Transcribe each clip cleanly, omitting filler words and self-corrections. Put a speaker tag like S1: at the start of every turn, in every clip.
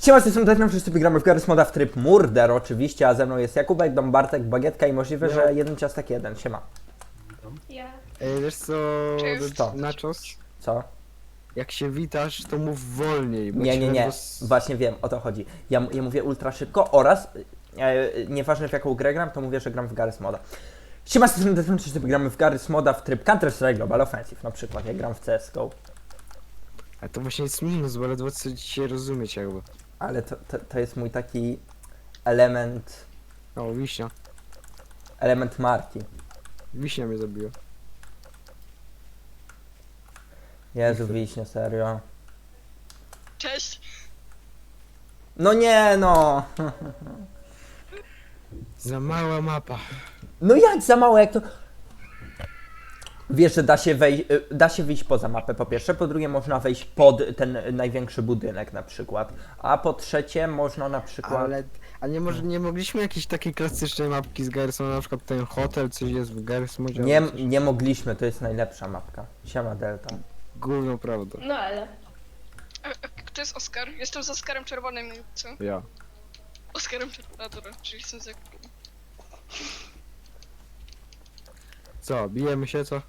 S1: Siema, z tej strony Deathmatch, wszyscy gramy w Garry's Moda w tryb Murder oczywiście, a ze mną jest Jakubek, Dom Bartek, Bagietka i możliwe, że jeden ciastek jeden. Siema.
S2: Ja.
S3: Wiesz co,
S1: Co?
S3: Nachos?
S1: Co?
S3: Jak się witasz, to mów wolniej, bo
S1: Nie,
S3: ci
S1: nie, nie.
S3: ledwo
S1: Właśnie wiem, o to chodzi. Ja mówię ultra szybko oraz, nieważne w jaką grę gram, to mówię, że gram w Garry's Moda. Siema, z tej strony Deathmatch, wszyscy gramy w Garry's Moda w tryb Counter-Strike Global Offensive, na przykład, jak gram w CSGO.
S3: A to właśnie jest minus, bo ledwo co dzisiaj rozumieć jakby.
S1: Ale to jest mój taki element
S3: O, wiśnia.
S1: marki.
S3: Wiśnia mnie zabiła.
S1: Jezu, wiśnie, serio.
S2: Cześć!
S1: No nie, no.
S3: Za mała mapa.
S1: No jak za mało, jak to... Wiesz, że da się wyjść poza mapę, po pierwsze, po drugie można wejść pod ten największy budynek na przykład, a po trzecie można na przykład...
S3: A nie mogliśmy jakiejś takiej klasycznej mapki z Garry'sona, na przykład ten hotel, coś jest w Garry's Modzie?
S1: Nie mogliśmy, to jest najlepsza mapka. Siema Delta.
S3: Gówno prawda.
S2: No ale.
S4: Kto jest Oskar? Jestem z Oskarem Czerwonym, co?
S3: Ja.
S4: Oskarem Czerwonym, dobra, czyli jestem z Jakubem.
S3: Co, bijemy się, co?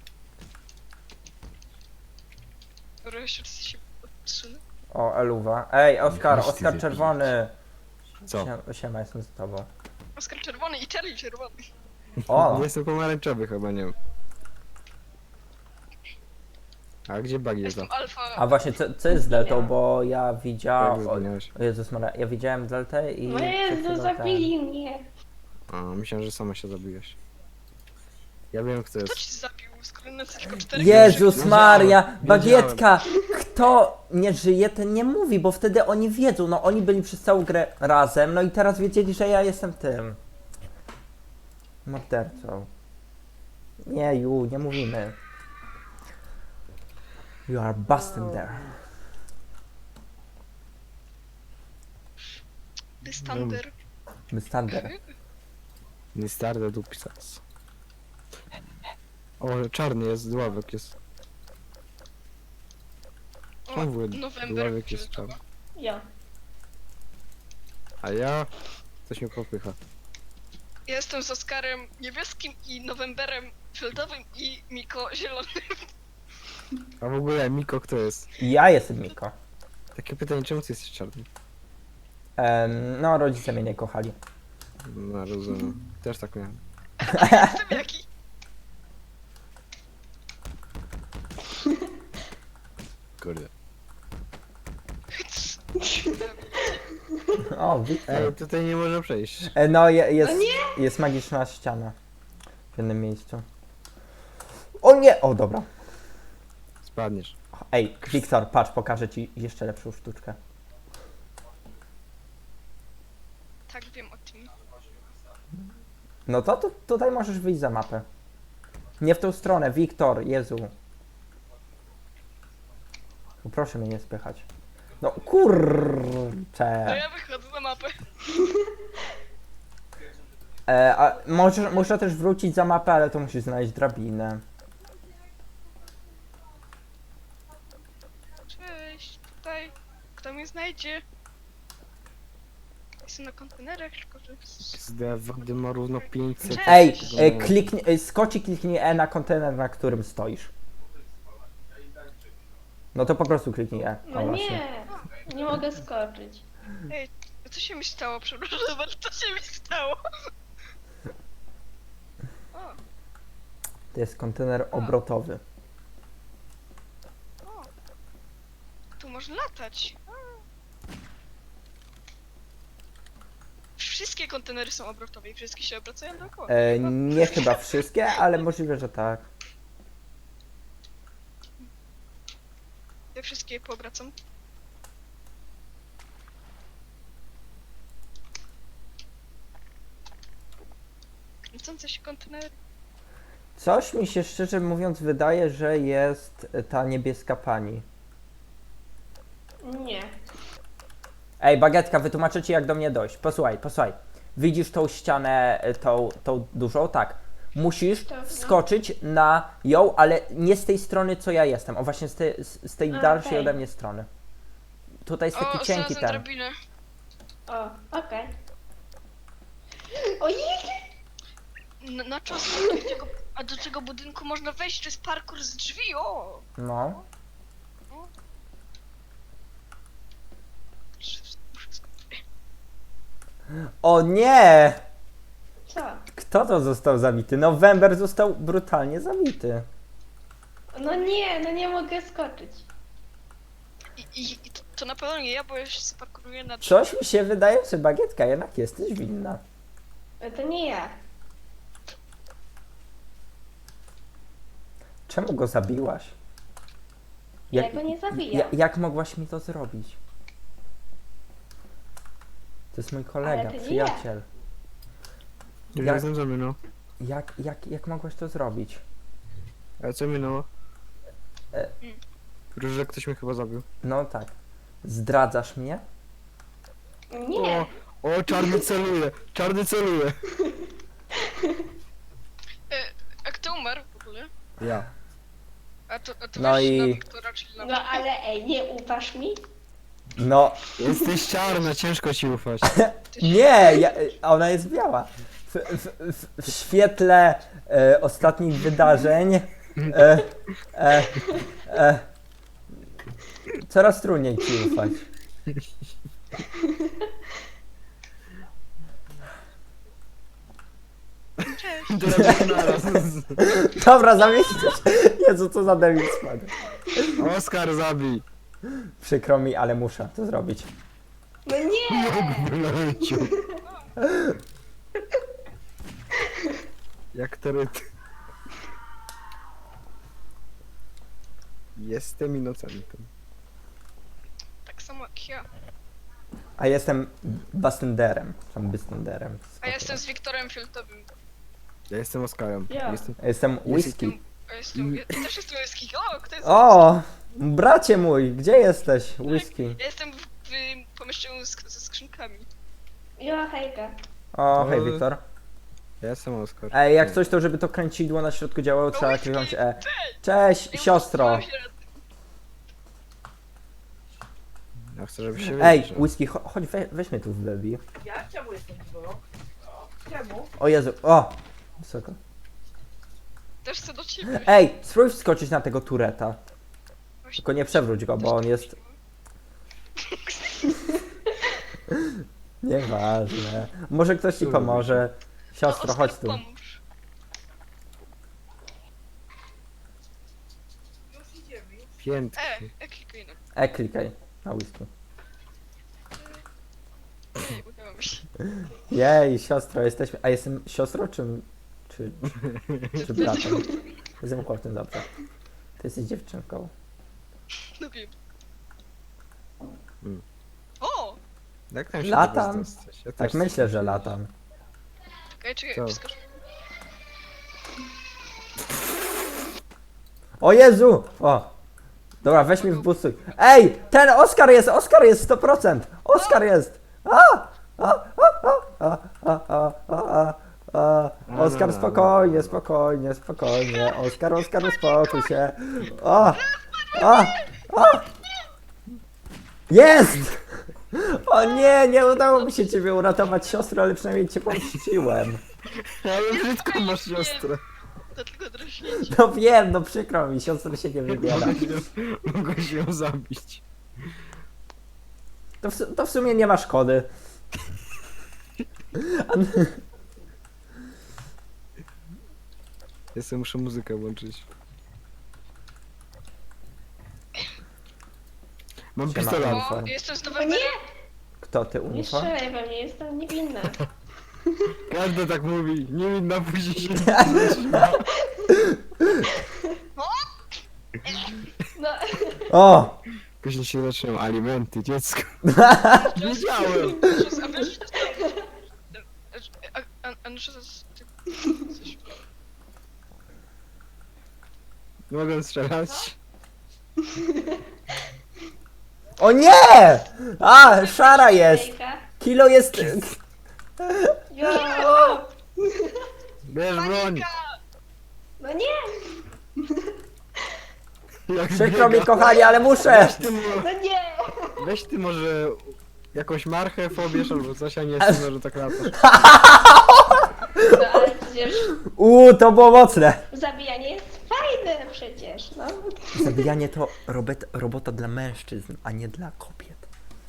S4: Dobra, jeszcze raz się odsunę.
S1: O, Eluwa. Ej, Oskar,
S5: Musisz
S1: Oskar
S5: ty
S1: Czerwony.
S3: Co?
S1: Siema, jestem z tobą.
S4: Oskar Czerwony i Charlie Czerwony.
S1: O,
S3: Jestem pomarańczowy chyba, nie wiem. A gdzie bug jest?
S4: Jestem Alfa.
S1: a właśnie, co jest z Deltą, bo ja
S3: Jak
S1: widziałem...
S3: zginąłeś?
S1: O Jezus Maria, ja widziałem Deltę i...
S2: No
S1: przed
S2: Jezu,
S1: chwilą
S2: zabili mnie.
S3: A, myślałem, że sama się zabiłeś. Ja wiem, kto
S4: Kto
S3: jest.
S4: ci zabił? Skoro na tylko 4
S1: Jezus Maria,
S3: Wiedziałem.
S1: Bagietka! Kto nie żyje, ten nie mówi, bo wtedy oni wiedzą, no oni byli przez całą grę razem, no i teraz wiedzieli, że ja jestem tym mordercą. Nie, nie mówimy. You are busting there.
S4: Bystander.
S1: Bystander.
S3: Nie starde dupisas. O, czarny jest, dławek jest.
S4: O,
S3: Czemu
S4: November.
S3: dławek jest czarny?
S2: Ja.
S3: A ja... Coś mnie popycha.
S4: Ja jestem z Oskarem niebieskim i Novemberem fioletowym i Miko zielonym.
S3: A w ogóle, Miko, kto jest?
S1: Ja jestem Miko.
S3: Takie pytanie, czemu ty jesteś czarny?
S1: No, rodzice mnie nie kochali.
S3: No, rozumiem. Też tak miałem.
S4: Jestem jaki?
S3: Kurde.
S1: O, Wiktor.
S3: Ej, tutaj nie można przejść.
S1: No, jest magiczna ściana w jednym miejscu. O nie! O, dobra.
S3: Spadniesz.
S1: Ej, Wiktor, patrz, pokażę ci jeszcze lepszą sztuczkę.
S4: Tak, wiem o tym.
S1: No to tutaj możesz wyjść za mapę. Nie w tą stronę, Wiktor, Jezu. Proszę mnie nie spychać. No
S4: To
S1: kurczę.
S4: ja wychodzę na mapę.
S1: A można też wrócić za mapę, ale to musisz znaleźć drabinę.
S4: Cześć, tutaj. Kto mnie znajdzie? Jestem na kontenerach, tylko że...
S3: SD wody ma równo 500.
S1: Ej, skocz i kliknij E na kontener, na którym stoisz. No to po prostu kliknij E. O,
S2: No
S1: właśnie.
S2: nie. Nie mogę skoczyć.
S4: Ej, co się mi stało? Przepraszam, ale co się mi stało? O,
S1: To jest kontener obrotowy.
S4: o. Tu można latać. Wszystkie kontenery są obrotowe i wszystkie się obracają dookoła.
S1: Nie chyba wszystkie, ale możliwe, że tak.
S4: Ja wszystkie je poobracam. Kręcące się kontenery.
S1: Coś mi się szczerze mówiąc wydaje, że jest ta niebieska pani.
S2: Nie.
S1: Ej, Bagietka, wytłumaczę ci jak do mnie dojść. Posłuchaj. Widzisz tą ścianę, tą dużą? Tak. Musisz
S2: Tak, no.
S1: wskoczyć na ją, ale nie z tej strony, co ja jestem. O, właśnie z tej
S2: A,
S1: dalszej
S2: okej.
S1: ode mnie strony. Tutaj jest taki
S4: O,
S1: cienki
S4: znalazłem
S1: ten.
S4: drabinę.
S2: O, okej. Ojej!
S4: Na czas, a do tego budynku można wejść, to jest parkour z drzwi, o!
S1: No. O nie!
S2: Co?
S1: Kto to został zabity? November został brutalnie zabity.
S2: No nie mogę skoczyć.
S4: I to na pewno nie ja, bo ja się spakuruję na drzwi.
S1: Coś mi się wydaje, że Bagietka jednak jesteś winna.
S2: To nie ja.
S1: Czemu go zabiłaś?
S2: Ja go nie zabijam.
S1: Jak mogłaś mi to zrobić? To jest mój kolega,
S2: Ale to nie
S1: przyjaciel.
S3: Ja
S1: Jak-
S3: jestem zaminął.
S1: Jak mogłaś to zrobić?
S3: A co minęło?
S1: E.
S3: Że ktoś mnie chyba zabił.
S1: No tak. Zdradzasz mnie?
S2: Nie.
S3: O, czarny celuje! Czarny celuje!
S4: A kto umarł w ogóle?
S3: Ja.
S4: A to
S1: No
S4: weź
S1: i-
S4: na Wiktora, czyli na
S2: No ale ej, nie ufasz mi?
S1: No,
S3: Jesteś czarna, ciężko ci ufać.
S1: nie! Ona jest biała. W świetle ostatnich wydarzeń coraz trudniej ci ufać.
S4: Cześć.
S3: Drabina naraz.
S1: Dobra, zamieścisz. Jezu, co za debil spadł.
S3: Oskar zabij!
S1: Przykro mi, ale muszę to zrobić.
S2: No nie!
S3: Wylecił. Jak teryt. Jestem inocentem.
S4: Tak samo jak ja.
S1: A jestem Bastenderem. Tam Bastenderem.
S4: A ja jestem z Wiktorem Fioltowym.
S3: Ja jestem Oskarem.
S2: Ja.
S3: Jestem...
S1: Jestem whisky.
S4: Ja też jestem whisky. O, kto jest?
S1: O! Bracie mój, gdzie jesteś? Whisky.
S4: Ja jestem w pomieszczeniu ze skrzynkami.
S2: Jo, hejka.
S1: O, hej Wiktor.
S3: Ja jestem Oskar.
S1: Ej, jak coś to, żeby to kręcidło na środku działało, trzeba kliknąć E. Cześć, siostro.
S3: Ja chcę, żebyś się
S1: Ej,
S3: wyjrzał.
S1: whisky, chodź, weź mnie tu w baby.
S5: Ja? Czemu jestem twoją? Czemu?
S1: O Jezu, o! Wysoko.
S4: Też chcę do ciebie.
S1: Ej, spróbuj wskoczyć na tego tureta. Tylko nie przewróć go, bo on jest... Nieważne. Może ktoś ci pomoże. Siostro, chodź tu.
S4: Pomóż.
S5: Już idziemy. Już.
S3: Piętki.
S4: Klikaj na.
S1: Klikaj na whisky.
S4: Udało mi się.
S1: Jej, siostro, jesteśmy... A jestem siostrą, czy bratem? Jestem chłopcem, dobrze. Ty jesteś dziewczynką.
S4: No wiem.
S3: Mm.
S4: O!
S3: Jak tam się
S1: Latam.
S3: do was dostać? Ja
S1: Tak
S3: też
S1: myślę,
S3: chcę.
S1: że latam.
S4: Czekaj,
S3: Co?
S4: wskocz.
S1: O Jezu! O! Dobra, weź mi w busuj. Ej! Ten Oskar jest 100%! Oskar jest! Oskar, spokojnie, spokojnie, spokojnie. Oskar, uspokój się. Jest! O nie, nie udało mi się ciebie uratować, siostro, ale przynajmniej cię pomściłem.
S3: Ale brzydko masz siostrę.
S4: To tylko draśnięcie.
S1: No wiem, no przykro mi, siostra się nie wybiera.
S3: Mogłeś ją zabić.
S1: To w sumie nie ma szkody.
S3: Ja sobie muszę muzykę włączyć. Mam
S1: Siema.
S3: pistolet.
S1: Uniform.
S4: O, jestem z
S2: O
S4: Nowego.
S2: nie!
S1: Kto ty,
S2: Nie
S1: uniform?
S2: strzelaj we mnie, jestem niewinna.
S3: Każdy tak mówi. Niewinna później się...
S2: No,
S1: O!
S3: Później się zaczynają alimenty, dziecko. Wiedziałem.
S4: A wiesz, a no, że coś.
S3: Mogę strzelać?
S1: O nie! A, szara jest!
S2: hejka.
S1: Kilo jest...
S2: Jo!
S3: Bierz broń.
S2: No nie!
S3: Jak
S1: Przykro mi,
S3: biega.
S1: kochani, ale muszę!
S3: Ty mu-
S2: No nie!
S3: Weź ty może jakąś marchew obierz albo coś, a nie sądzę, że tak latasz.
S2: No ale przecież
S1: To było mocne.
S2: zabijanie jest fajne przecież, no.
S1: Zabijanie to robota dla mężczyzn, a nie dla kobiet.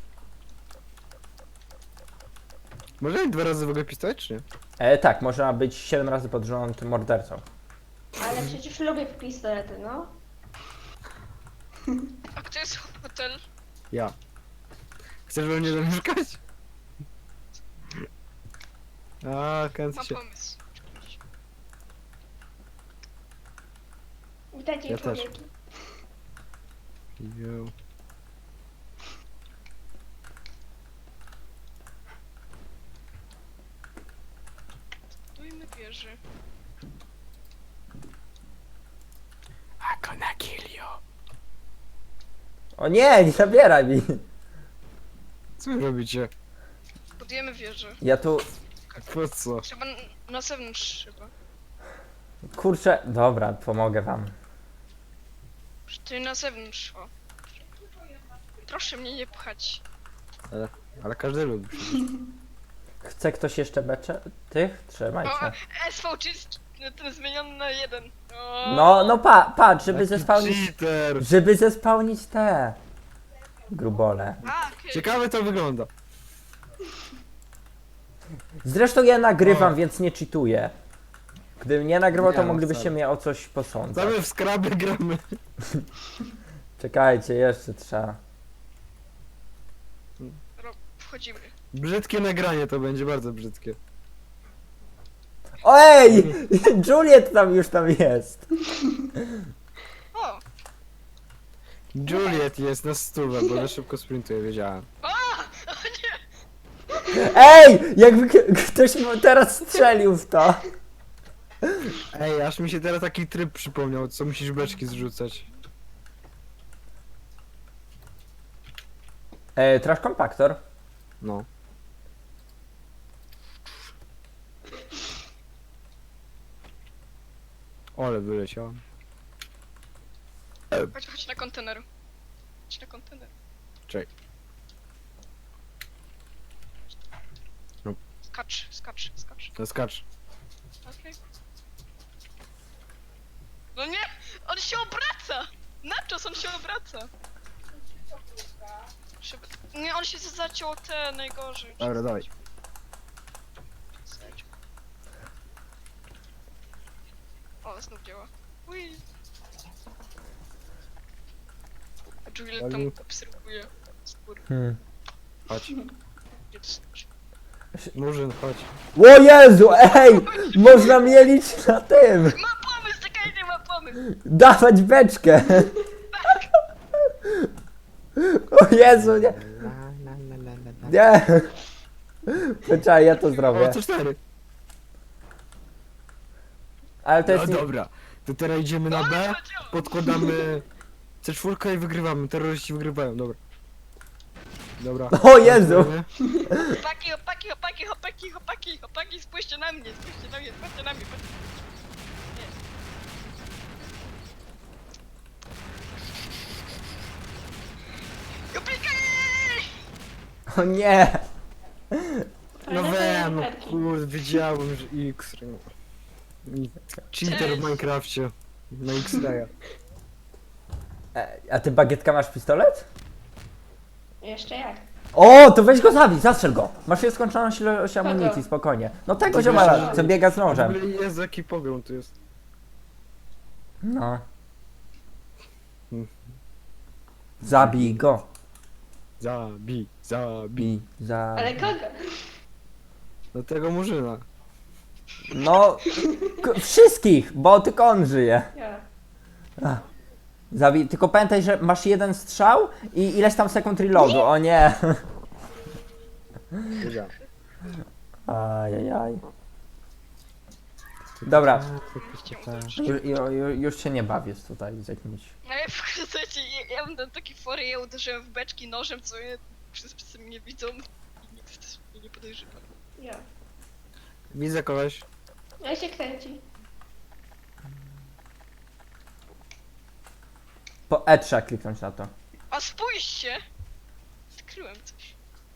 S3: Może mieć 2 razy w ogóle pistolet, czy nie?
S1: Tak, można być 7 razy pod rząd mordercą.
S2: Ale przecież lubię pistolety, no.
S4: A kto jest hotel?
S3: Ja. Chcesz we mnie zamieszkać? A, kręcę
S4: Mam
S3: się.
S4: pomysł.
S2: Witajcie,
S3: Ja też.
S2: człowieki.
S3: Yo.
S4: Budujmy wieży.
S3: I'm gonna kill you.
S1: O nie zabieraj mi.
S3: Co wy robicie?
S4: Budujemy wieżę.
S1: Ja tu,
S3: Po co?
S4: Trzeba na zewnątrz trzeba.
S1: kurczę, dobra, pomogę wam.
S4: Ty na zewnątrz, o. Proszę mnie nie pchać.
S3: Ale każdy lubi.
S1: Chce ktoś jeszcze becze? Tych?
S4: O,
S1: Trzymajcie.
S4: SVG jest ten zmieniony na 1. O,
S1: No patrz, żeby
S3: Jaki
S1: zespałnić,
S3: cheater!
S1: żeby zespałnić te grubole.
S4: A, okej.
S3: Ciekawe to wygląda.
S1: Zresztą ja nagrywam,
S3: O.
S1: więc nie cheatuję. Gdybym nie nagrywał, to
S3: Nie, no
S1: moglibyście
S3: wcale.
S1: mnie o coś posądzać.
S3: Same w skraby gramy.
S1: Czekajcie, jeszcze trzeba.
S4: Wchodzimy.
S3: Brzydkie nagranie to będzie, bardzo brzydkie.
S1: Ej! Juliet już tam jest.
S4: O!
S3: Juliet jest na stówę, bo za szybko sprintuje, wiedziałem.
S1: Ej! Jakby ktoś teraz strzelił w to.
S3: Ej, aż mi się teraz taki tryb przypomniał, co musisz beczki zrzucać.
S1: Trash kompaktor.
S3: No. Ole, wyleciałem.
S4: Chodź na kontener. Chodź na kontener.
S3: Czekaj. No.
S4: Skacz.
S3: To skacz.
S4: Okej. No nie! On się obraca! Nachos, on się obraca! Nie, on się zaciął te najgorzej.
S3: Dobra, dawaj.
S4: O, znów działa. Ui. A Juliet tam
S3: Olu.
S4: obserwuje. Skóry.
S3: Chodź.
S4: Gdzie to znaczy?
S3: Murzyn, chodź.
S1: O Jezu, ej! Można mielić na tym.
S4: Ma pomysł, czekajcie, ma pomysł!
S1: Dawać beczkę. O Jezu, nie. Nie. Poczekaj, ja to zrobię.
S3: O, co 4.
S1: Ale to
S3: No
S1: jest nie...
S3: dobra. To teraz idziemy na B, podkładamy C4 i wygrywamy. Terroryści wygrywają, dobra. Dobra.
S1: O Jezu!
S4: Chłopaki, spójrzcie na mnie, patrzcie na mnie.
S1: O nie!
S3: No wiem, no kurde, wiedziałem, że X-ray. Cheater w Minecrafcie. Na X-raya.
S1: A ty bagietka masz pistolet?
S2: Jeszcze jak?
S1: O, to weź go zabij, zastrzel go. Masz nieskończoną ilość amunicji, spokojnie. No tego
S3: To
S1: ziomala,
S3: wiesz,
S1: co biega z
S3: W
S1: nożem.
S3: ogóle jest jaki pogrom tu jest.
S1: No. Zabij go.
S3: Zabij.
S2: Ale kogo?
S3: Do tego Murzyna.
S1: No, wszystkich, bo tylko on żyje.
S2: Ja.
S1: Zabij, tylko pamiętaj, że masz jeden strzał i ileś tam sekund reloadu, o nie.
S3: Wiedziałem.
S1: Ajajaj. Dobra, już się nie bawię tutaj z jakimś...
S4: No ja słuchajcie, ja mam tam takie fory, ja uderzyłem w beczki nożem, co je wszyscy mnie widzą i nikt też mnie nie podejrzewa.
S2: Ja.
S3: Widzę kogoś.
S2: Ja się kręci.
S1: Po E trzeba kliknąć na to.
S4: A spójrzcie! Zrobiłem coś.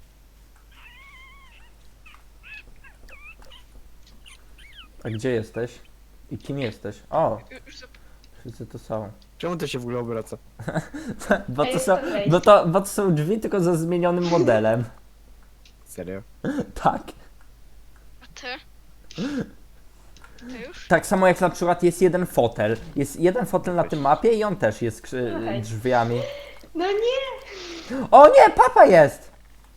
S1: A gdzie jesteś? I kim jesteś? O,
S4: Już
S1: wszyscy tu są.
S3: Czemu to się w ogóle obraca?
S1: Bo to
S2: Ej,
S1: są,
S2: to wejdź.
S1: bo to są drzwi tylko ze zmienionym modelem.
S3: Serio?
S1: Tak.
S4: A ty? Ty już?
S1: Tak samo jak na przykład jest jeden fotel. Jest jeden fotel na tym mapie i on też jest
S2: Okej.
S1: drzwiami.
S2: No nie!
S1: O nie, papa jest!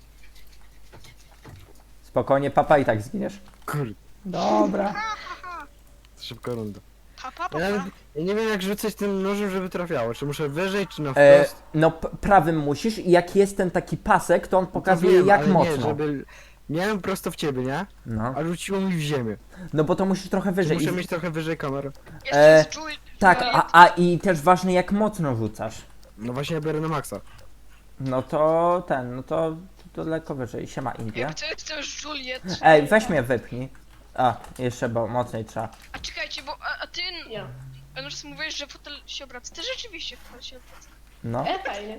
S1: Spokojnie, papa i tak zginiesz.
S3: Kurde,
S1: Dobra.
S3: szybka runda.
S4: Papa,
S3: Ja,
S4: papa.
S3: ja nie wiem jak rzucać tym nożem, żeby trafiało. Czy muszę wyżej, czy na
S1: E,
S3: wprost?
S1: no prawym musisz i jak jest ten taki pasek, to on
S3: To
S1: pokazuje
S3: wiem,
S1: jak
S3: ale
S1: mocno.
S3: Nie, żeby... Miałem prosto w ciebie, nie?
S1: No.
S3: A rzuciło mi w ziemię.
S1: No bo to musisz trochę
S3: Czy
S1: wyżej.
S3: muszę
S1: I-
S3: mieć trochę wyżej kamerę?
S4: Jeszcze
S1: E,
S4: jest Juliet.
S1: Tak, a i też ważne jak mocno rzucasz.
S3: No właśnie ja biorę na maksa.
S1: No to ten, no to lekko wyżej. Siema Indie.
S4: Jakby co jest też Juliet.
S1: Ej, weź mnie wypnij. A, jeszcze bo mocniej trzeba.
S4: A czekajcie, bo a ty...
S2: Ja.
S4: Anoż mówiłeś, że fotel się obraca. Ty rzeczywiście fotel się obraca.
S1: No.
S2: Fajnie.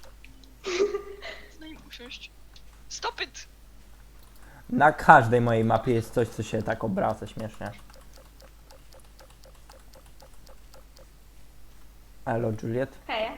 S4: Daj mi usiąść. Stop it!
S1: Na każdej mojej mapie jest coś, co się tak obraca śmiesznie. Elo, Juliet.
S2: Hej.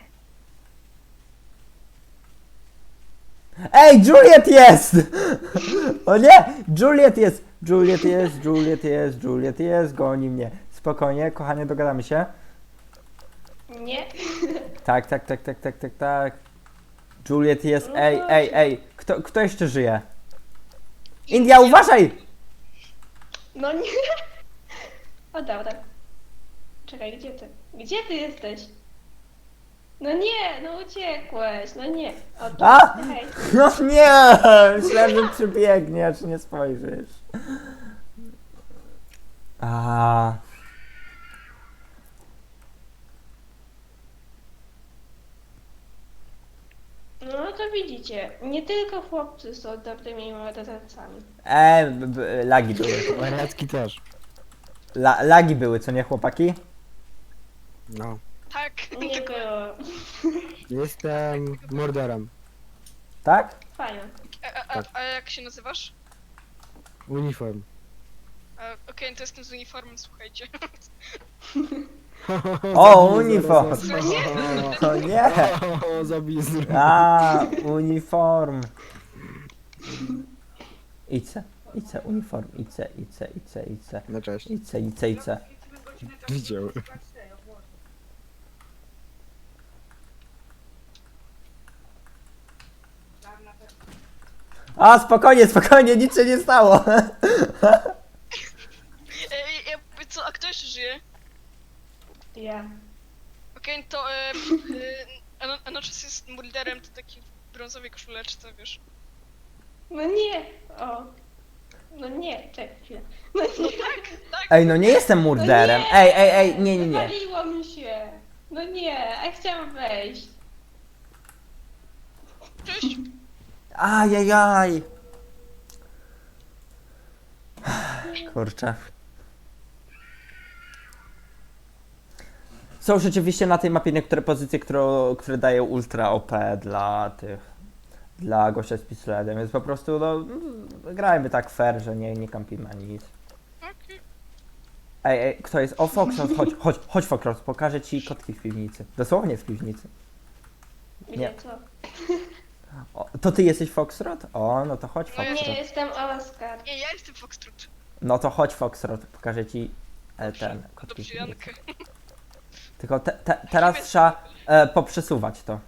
S1: Ej, Juliet jest! O nie! Juliet jest! Juliet jest, Juliet jest, Juliet jest, goni mnie. Spokojnie, kochanie, dogadamy się.
S2: Nie.
S1: Tak, tak, tak, tak, tak, tak, tak. Juliet jest, ej. Kto jeszcze żyje? India, uważaj!
S2: No nie. O, dobra. Czekaj, gdzie ty? Gdzie ty jesteś? No nie, no uciekłeś, no nie. O, tu.
S1: A!
S2: Hej.
S1: No nie! Myślałem, że przybiegniesz, nie spojrzysz. A.
S2: No to widzicie, nie tylko chłopcy są dobrymi mordercami.
S1: Lagi były.
S3: Wariacki też.
S1: Lagi były, co nie chłopaki?
S3: No.
S4: Tak.
S2: Nie było.
S3: Jestem morderem.
S1: Tak?
S2: Fajnie.
S4: A jak się nazywasz?
S3: Uniform.
S4: Okej, to jestem z uniformem, słuchajcie.
S1: O, uniform! O nie!
S3: O, zabij
S1: A, uniform. Ice, uniform, ice.
S3: Na cześć.
S1: Ice.
S3: Widział.
S1: A, spokojnie, nic się nie stało.
S4: Co, a kto jeszcze żyje?
S2: Ja.
S4: Okej, to Anoczas jest mulderem, to taki w brązowej koszuleczce, wiesz.
S2: No nie. O. No nie, czekaj chwilę. No nie.
S4: Tak,
S1: Ej, no nie jestem murderem.
S2: No nie.
S1: Ej, nie.
S2: Wywaliło mi się. No nie, a chciałam wejść.
S4: cześć.
S1: Ajajaj. Kurczę. Są rzeczywiście na tej mapie niektóre pozycje, które dają ultra OP dla gościa z pistoletem, więc po prostu no, grajmy tak fair, że nie kampimy ani nic.
S4: Okej.
S1: Ej, kto jest? O, Foxtrot, chodź Foxtrot, pokażę ci kotki w piwnicy. Dosłownie w piwnicy.
S2: Gdzie
S1: Nie.
S2: co?
S1: O, to ty jesteś Foxtrot? O, no to chodź
S4: No
S1: Foxtrot.
S2: Nie, jestem Oskar.
S4: Nie, ja jestem Foxtrot.
S1: No to chodź Foxtrot, pokażę ci ten kotki w
S4: Dobrze,
S1: piwnicy.
S4: Jankę.
S1: Tylko teraz trzeba poprzesuwać to.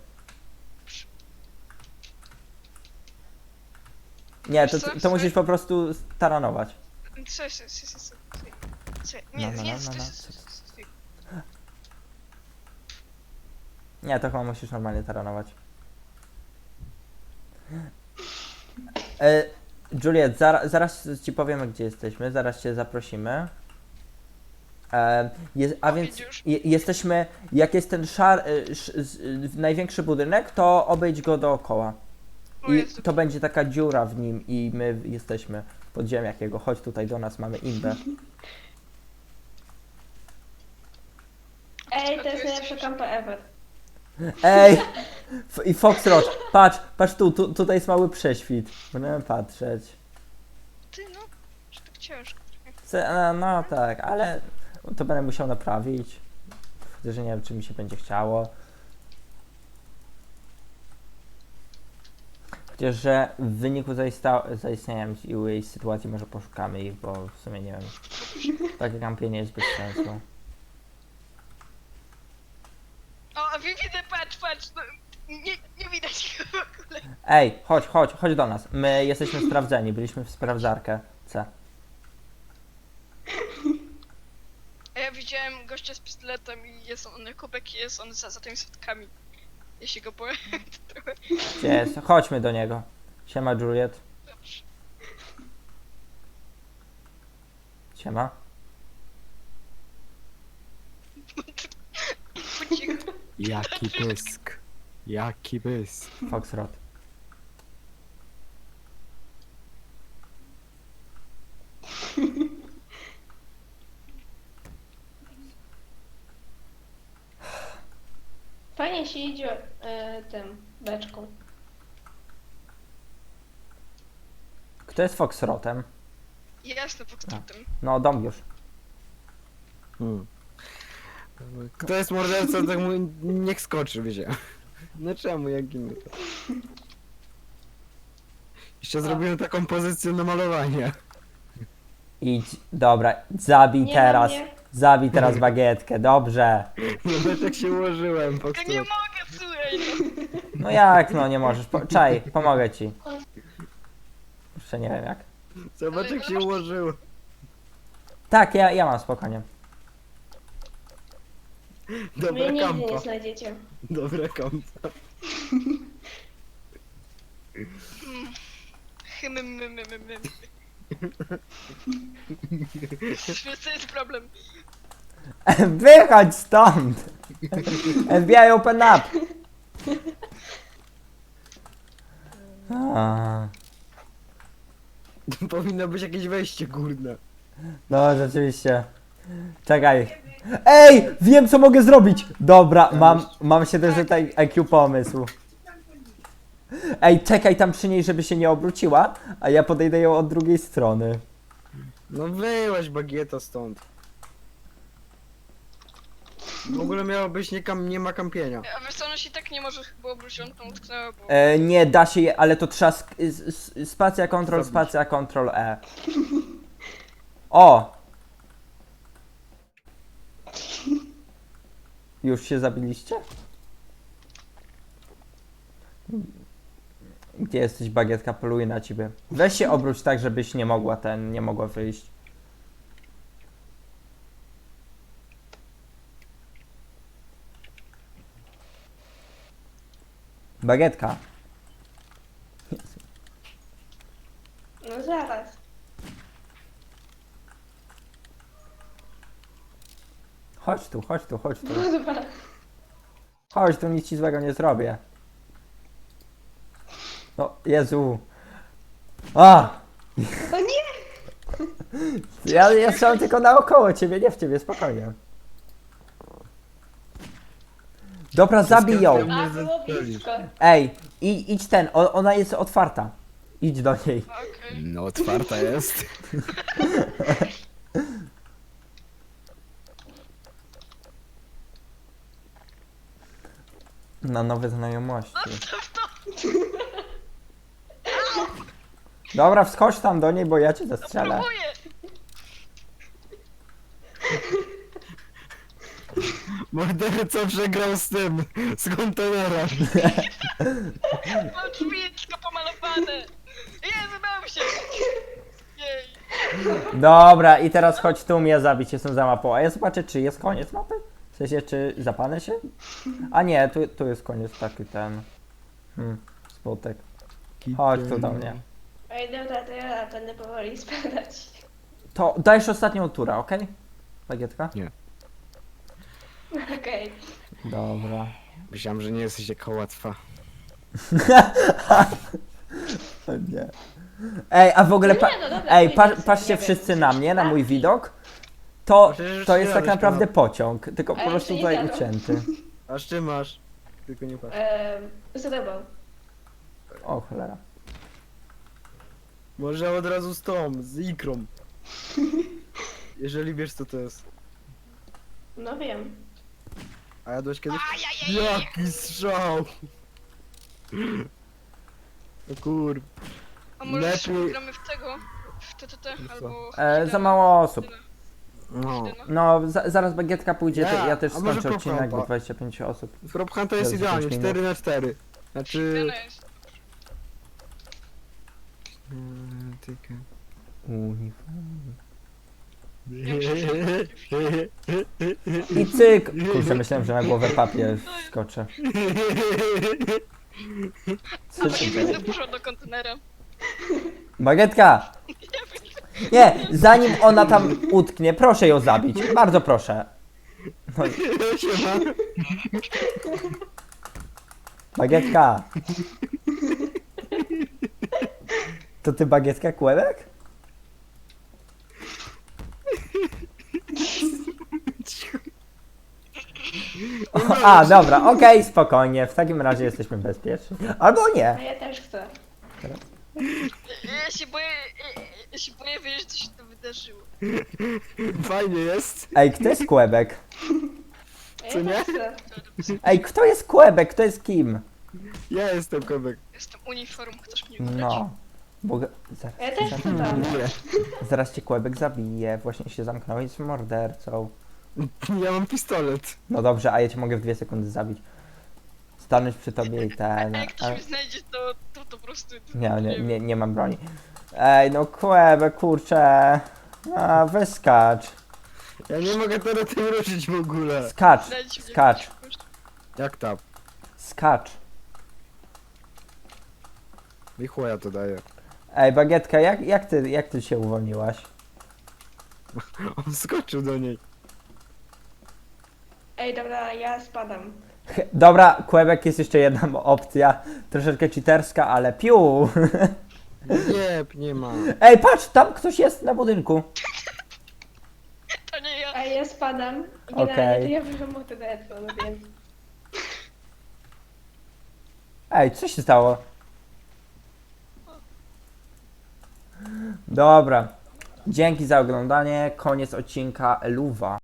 S1: Nie, to musisz po prostu taranować.
S4: Cześć. Nie,
S1: No.
S4: nie,
S1: Nie, to chyba musisz normalnie taranować. Juliet, zaraz ci powiemy, gdzie jesteśmy, zaraz cię zaprosimy. A więc jesteśmy, jak jest ten największy budynek, to obejdź go dookoła.
S4: O
S1: I
S4: Jezu.
S1: to będzie taka dziura w nim i my jesteśmy w podziemiach jego. Chodź tutaj do nas, mamy imbę.
S2: Ej, to jest najlepsza kampa ever.
S1: Ej, I Foxrot, patrz tutaj jest mały prześwit. Będziemy patrzeć.
S4: Ty no, że tak ciężko.
S1: No tak, ale to będę musiał naprawić. Chociaż nie wiem, czy mi się będzie chciało. Chociaż, że w wyniku zaistnienia jej sytuacji może poszukamy ich, bo w sumie nie wiem. Takie kampienie jest bez sensu.
S4: O, a widzę, patrz, no, nie widać go w ogóle.
S1: Ej, chodź do nas. My jesteśmy sprawdzeni, byliśmy w sprawdzarkę C.
S4: A ja widziałem gościa z pistoletem i jest on na kubek i jest on za tymi schodkami. Ja się go boję trochę.
S1: Gdzie jest? Chodźmy do niego. Siema, Juliet.
S4: Dobrze.
S1: Siema.
S4: Po cichu.
S3: Jaki pysk. Jaki pysk.
S1: Foxrot.
S2: Fajnie się idzie tym beczką.
S1: Kto jest Foxrotem?
S4: Jasne, Foxtrotem.
S1: No, dom już.
S3: Kto jest mordercą, tak mu niech skoczy, wiecie. No czemu, jak inny? Jeszcze zrobiłem taką pozycję na malowanie.
S1: Idź, dobra, zabij
S2: Nie
S1: teraz.
S2: na mnie.
S1: Zabij teraz bagietkę, dobrze.
S3: No wiesz jak się ułożyłem, po
S4: Ja nie mogę, słuchaj, no.
S1: No jak, no nie możesz. Czaj, pomogę ci. Jeszcze nie wiem jak.
S3: Zobacz jak się ułożyło.
S1: Tak, ja mam spokojnie.
S3: Dobra
S2: Mnie nigdy nie
S3: kampa.
S2: znajdziecie.
S3: Dobra kampa.
S4: To jest problem.
S1: Wychodź stąd! FBI open up! A,
S3: Powinno być jakieś wejście górne.
S1: no rzeczywiście. Czekaj. Ej! Wiem co mogę zrobić! Dobra, mam 700 IQ pomysł. Ej, czekaj tam przy niej, żeby się nie obróciła, a ja podejdę ją od drugiej strony.
S3: No wyłaź bagieto stąd. W ogóle miało być nie ma kampienia.
S4: A wiesz co, ona się tak nie może chyba obrócić, on tam utknęła, bo...
S1: Nie da się je, ale to trzeba spacja control E. O! Już się zabiliście? Gdzie jesteś, bagietka? Poluję na ciebie. Weź się obróć tak, żebyś nie mogła wyjść. Bagietka.
S2: No zaraz.
S1: Chodź tu.
S2: No dobra.
S1: Chodź tu, nic ci złego nie zrobię. No, Jezu. A!
S2: O nie!
S1: Ja strzelam tylko naokoło ciebie, nie w ciebie, spokojnie. Dobra, zabij ją.
S2: A, było blisko.
S1: Ej, idź ona jest otwarta. Idź do niej.
S4: Okej.
S3: No otwarta jest.
S1: Na nowe znajomości.
S4: Zostaw to!
S1: Dobra, wskocz tam do niej, bo ja cię zastrzelę.
S4: Próbuję!
S3: Morderca przegrał z tym, z kontenerem.
S4: Mam drzwi tylko pomalowane! Jezu, dałem się! Jej!
S1: Dobra, i teraz chodź tu mnie zabić, jestem za mapą. A ja zobaczę, czy jest koniec mapy? W sensie, czy zapalę się? A nie, tu jest koniec taki ten... smutek. Chodź tu do mnie.
S2: Ej, dobra, to ja będę powoli spadać.
S1: To dajesz ostatnią turę, okej? Bagietka?
S2: Okej.
S1: Dobra.
S3: Myślałem, że nie jesteś taka łatwa.
S1: O nie. Ej, a w ogóle
S2: No nie, no dobra,
S1: ej,
S2: to idę
S1: patrzcie
S2: sobie,
S1: wszyscy
S2: nie
S1: na
S2: wiem,
S1: mnie, na mój
S2: stacji.
S1: widok. To
S3: Przecież
S1: jest tak
S3: jadę
S1: naprawdę
S3: śpiewa.
S1: pociąg, tylko po
S2: Ale
S1: prostu
S2: czy nie
S1: tutaj
S2: jadą?
S1: ucięty.
S3: Aż ty masz. Tylko nie patrz.
S2: za tobą.
S1: O cholera.
S3: Może od razu z tą, z ikrą. Jeżeli wiesz co to jest.
S2: No wiem.
S3: A jadłeś kiedyś?
S4: Ajajaj!
S3: Jaki strzał! No kur...
S4: A może
S3: Lepiej-
S4: gramy w tego? W TTT albo...
S1: Za mało osób.
S4: Tyle.
S3: No.
S4: Tyle.
S1: No, zaraz bagietka pójdzie,
S3: Nie,
S1: ja też
S3: a może
S1: skończę odcinek, bo
S3: Prop
S1: 25 osób.
S3: Prop Hunter jest
S1: Jezu,
S3: idealnie,
S1: 5
S3: 4 na 4. Znaczy...
S4: Tyle jest.
S3: Tyka.
S1: Uniform.
S4: Większość
S1: I cyk! Kurczę, myślałem, że na głowę papier skoczę. Co
S4: Dobra,
S1: się
S4: nie
S1: dzieje?
S4: będę puszczał do kontenera.
S1: Bagietka! Nie, zanim ona tam utknie, proszę ją zabić. Bardzo proszę. No, i-
S3: Siema.
S1: bagietka! To ty bagietka kłebek? A, dobra, okej, spokojnie, w takim razie jesteśmy bezpieczni. Albo
S2: A
S1: nie.
S2: ja też chcę.
S4: Ja się boję wiedzieć, co się to wydarzyło.
S3: Fajnie jest.
S1: Ej, kto jest kłebek?
S2: A ja
S3: Co nie?
S2: też chcę.
S1: Ej, kto jest kłebek? Kto jest kim?
S3: Ja jestem kobek.
S4: Jestem uniform, chcesz mnie ubrać?
S1: No. Bo...
S2: A ja też
S1: Zaraz,
S2: chcę tam.
S3: Nie.
S1: zaraz cię kłebek zabije, właśnie się zamknąłeś z mordercą.
S3: Ja mam pistolet.
S1: No dobrze, a ja cię mogę w 2 sekundy zabić. Stanąć przy tobie i ten...
S4: A jak ktoś
S1: a-
S4: mnie znajdzie, to po prostu...
S1: Nie mam broni. Ej, no kłebek, kurczę. A, wyskacz.
S3: Ja nie mogę teraz tym ruszyć w ogóle.
S1: Skacz,
S4: Znajdzie mnie
S1: skacz,
S4: ktoś.
S3: Jak tam?
S1: skacz.
S3: I chłoja to daje.
S1: Ej, bagietka, jak ty się uwolniłaś?
S3: On skoczył do niej.
S2: Ej, dobra, ja spadam.
S1: Dobra, kłebek, jest jeszcze jedna opcja. Troszeczkę cheaterska, ale piu.
S3: Nie ma.
S1: Ej, patrz, tam ktoś jest na budynku.
S4: To nie ja.
S2: Ej, ja spadam. I
S1: Okej.
S2: generalnie to ja wyszłam od TDS-u, no więc...
S1: Ej, co się stało? Dobra. Dzięki za oglądanie. Koniec odcinka Eluwa.